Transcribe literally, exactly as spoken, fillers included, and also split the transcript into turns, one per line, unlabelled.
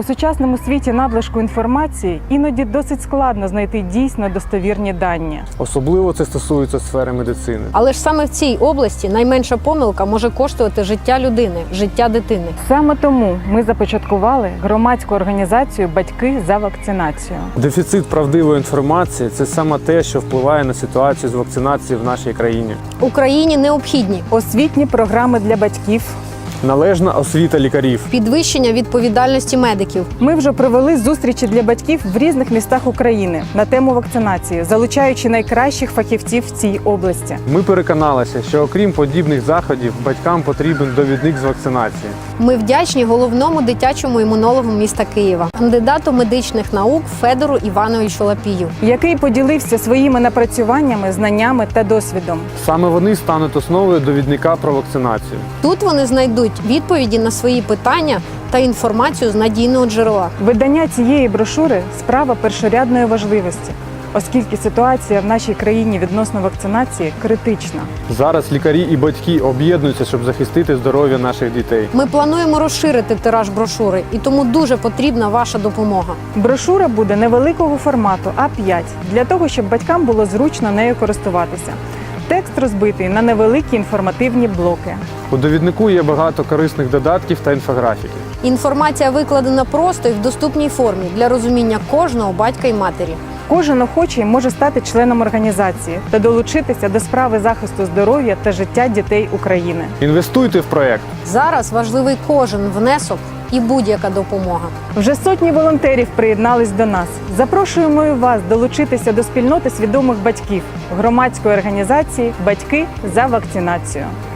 У сучасному світі надлишку інформації іноді досить складно знайти дійсно достовірні дані.
Особливо це стосується сфери медицини.
Але ж саме в цій області найменша помилка може коштувати життя людини, життя дитини.
Саме тому ми започаткували громадську організацію «Батьки за вакцинацію».
Дефіцит правдивої інформації – це саме те, що впливає на ситуацію з вакцинацією в нашій країні.
Україні необхідні
Освітні програми для батьків.
Належна освіта лікарів.
підвищення відповідальності медиків,
Ми вже провели зустрічі для батьків в різних містах України на тему вакцинації, залучаючи найкращих фахівців в цій області.
Ми переконалися, що окрім подібних заходів, батькам потрібен довідник з вакцинації.
Ми вдячні головному дитячому імунологу міста Києва, кандидату медичних наук Федору Івановичу Лапію.
Який поділився своїми напрацюваннями, знаннями та досвідом.
Саме вони стануть основою довідника про вакцинацію.
Тут вони знайдуть відповіді на свої питання та інформацію з надійного джерела.
Видання цієї брошури – справа першорядної важливості, оскільки ситуація в нашій країні відносно вакцинації критична.
Зараз лікарі і батьки об'єднуються, щоб захистити здоров'я наших дітей.
Ми плануємо розширити тираж брошури, і тому дуже потрібна ваша допомога.
Брошура буде невеликого формату а п'ять, для того, щоб батькам було зручно нею користуватися. Текст розбитий на невеликі інформативні блоки.
У довіднику є багато корисних додатків та інфографіки.
Інформація викладена просто і в доступній формі для розуміння кожного батька і матері.
Кожен охочий може стати членом організації та долучитися до справи захисту здоров'я та життя дітей України.
Інвестуйте в проєкт.
Зараз важливий кожен внесок і будь-яка допомога.
Вже сотні волонтерів приєднались до нас. Запрошуємо і вас долучитися до спільноти свідомих батьків громадської організації «Батьки за вакцинацію».